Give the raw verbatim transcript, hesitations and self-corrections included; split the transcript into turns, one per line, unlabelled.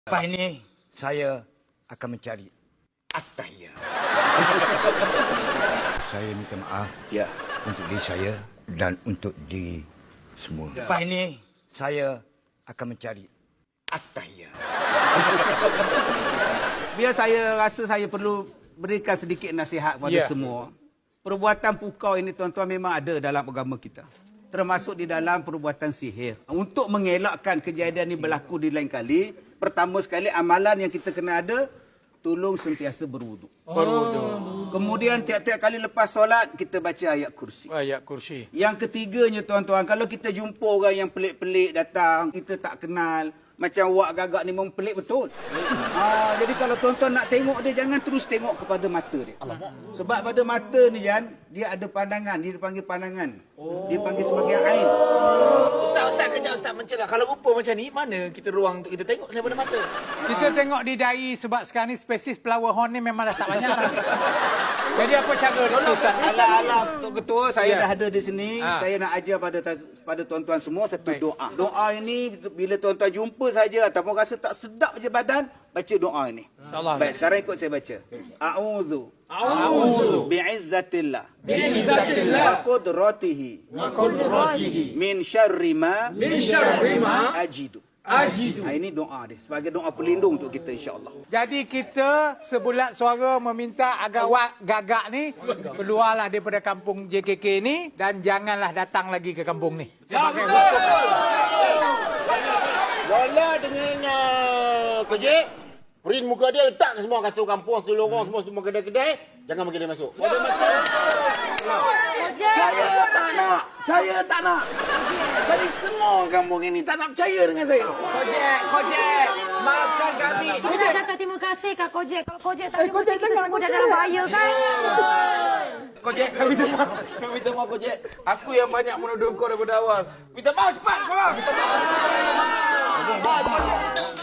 Lepas ini, saya akan mencari Attahiyah. Saya minta maaf
Ya.
untuk diri saya dan untuk diri semua. Lepas ini, saya akan mencari Attahiyah.
Biar saya rasa saya perlu berikan sedikit nasihat kepada
Ya.
semua. Perbuatan pukau ini tuan-tuan memang ada dalam agama kita. Termasuk di dalam perbuatan sihir. Untuk mengelakkan kejadian ini berlaku di lain kali, pertama sekali amalan yang kita kena ada, tolong sentiasa berwuduk.
Berwuduk.
Kemudian tiap-tiap kali lepas solat, kita baca ayat kursi.
Ayat kursi.
Yang ketiganya tuan-tuan, kalau kita jumpa orang yang pelik-pelik datang, kita tak kenal, macam wak gagak ni memang pelik betul. Ha, jadi kalau tuan-tuan nak tengok dia, jangan terus tengok kepada mata dia. Alamak. Sebab pada mata ni, Jan, dia ada pandangan, dia dipanggil pandangan. Oh. Dia panggil sebagai ain.
Ustaz, Ustaz, kejap Ustaz mencelah. Kalau rupa macam ni, mana kita ruang untuk kita tengok saya pada mata?
Kita tengok di dahi sebab sekarang ni spesies flower horn ni memang dah tak banyak dah. Jadi apa cara dia Ustaz?
Alah-alah, Tok Ketua, saya
Ya.
dah ada di sini.
Ha.
Saya nak ajar pada pada tuan-tuan semua satu
Baik.
doa. Doa ini bila tuan-tuan jumpa saja ataupun rasa tak sedap je badan, baca doa ini.
InsyaAllah.
Baik, sekarang ikut saya baca. A'udzu
A'udzu
bi'izzatillah
bi'izzatillah
wa qudratihi
wa qudratihi
min syarri ma
min syarri ma
ajidu.
ajidu.
Ha, ini doa dia sebagai doa pelindung untuk kita insya-Allah.
Jadi kita sebulat suara meminta agar wak gagak ni keluarlah daripada kampung J K K ni dan janganlah datang lagi ke kampung ni. Sebagai hukum.
Lola dengan uh, Kojek, print muka dia letak ke semua kasut kampung, seluruh orang, semua semua kedai-kedai, jangan bagi dia masuk. Kalau dia masuk,
Saya tak nak. Saya tak nak. Tadi semua kampung ini tak nak percaya dengan saya.
Kojek, Kojek, maafkan kami.
Kita nak cakap terima kasih Kak Kojek. Kalau Kojek tak ada mesti kita semua dah dalam bahaya kan?
Kojek, kami minta maaf. Kami minta maaf, Kojek. Aku yang banyak menuduh kau daripada awal. Minta maaf cepat, kau. Minta maaf.